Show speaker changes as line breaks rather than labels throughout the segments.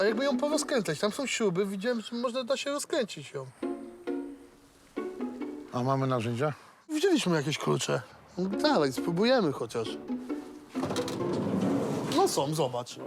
jakby ją porozkręcać. Tam są śruby, widziałem, że można da się rozkręcić ją.
A mamy narzędzia?
Widzieliśmy jakieś klucze. No dalej, spróbujemy chociaż. No są, zobacz.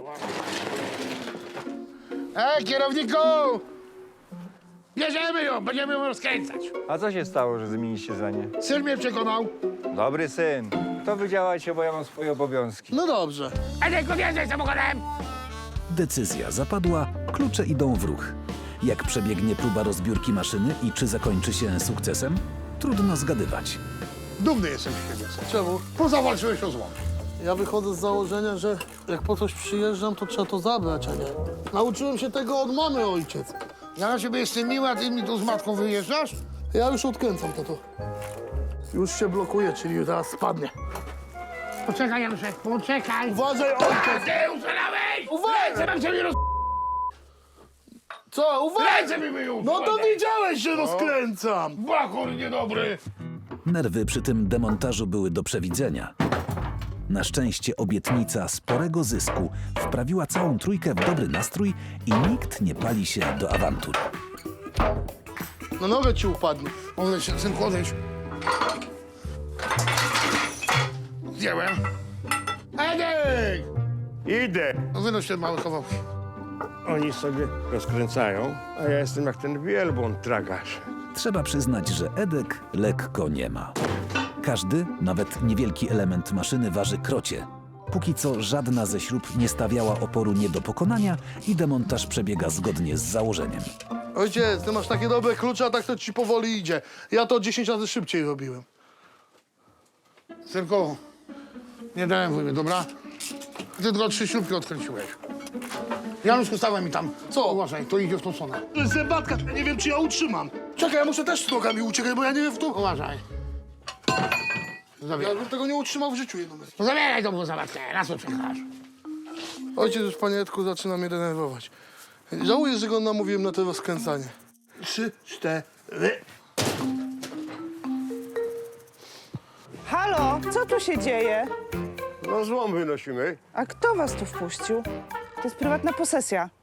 Kierowniku! Bierzemy ją, będziemy ją rozkręcać.
A co się stało, że zmieniliście zdanie?
Syn mnie przekonał.
Dobry syn. To wy działajcie, bo ja mam swoje obowiązki.
No dobrze.
Edek, odjeżdżaj samochodem!
Decyzja zapadła, klucze idą w ruch. Jak przebiegnie próba rozbiórki maszyny i czy zakończy się sukcesem? Trudno zgadywać.
Dumny jestem z siebie.
Czemu?
Bo zawalczyłeś o zło.
Ja wychodzę z założenia, że jak po coś przyjeżdżam, to trzeba to zabrać, a nie. Nauczyłem się tego od mamy, ojciec.
Ja na ciebie jestem miły, a ty mi tu z matką wyjeżdżasz?
Ja już odkręcam to. Już się blokuje, czyli zaraz spadnie.
Poczekaj, Januszek, poczekaj.
Uważaj, ojciec!
Ty uszalałeś!
Uważaj!
Ręce mam ciebie
Co? Uważaj!
Ręce mi myją!
No to wiedziałeś, że rozkręcam!
Bachor niedobry!
Nerwy przy tym demontażu były do przewidzenia. Na szczęście obietnica sporego zysku wprawiła całą trójkę w dobry nastrój i nikt nie pali się do awantur.
Na nogę ci upadnie.
Odejdź, synku, odejdź. Zdjąłem. Edek!
Idę.
No wynoś ten mały kawałki.
Oni sobie rozkręcają, a ja jestem jak ten wielbłąd tragarz.
Trzeba przyznać, że Edek lekko nie ma. Każdy, nawet niewielki element maszyny waży krocie. Póki co żadna ze śrub nie stawiała oporu nie do pokonania i demontaż przebiega zgodnie z założeniem.
Ojciec, ty masz takie dobre klucze, a tak to ci powoli idzie. Ja to 10 razy szybciej robiłem.
Synku, nie dałem wujmy, dobra? Ty tylko 3 śrubki odkręciłeś. Januszku, stawaj mi tam.
Co?
Uważaj, to idzie w tą stronę.
To jest zębatka, ja nie wiem, czy ja utrzymam. Czekaj, ja muszę też z nogami uciekać, bo ja nie wiem w to.
Uważaj.
Ja
Zabieraj.
bym tego nie utrzymał w życiu jedną.
No zabieraj tą zabawkę, raz to przekaż.
Ojciec już, panie Edku, zaczyna mnie denerwować. Żałuję, że go namówiłem na to rozkręcanie.
3, 4.
Halo, co tu się dzieje?
No złom wynosimy.
A kto was tu wpuścił? To jest prywatna posesja.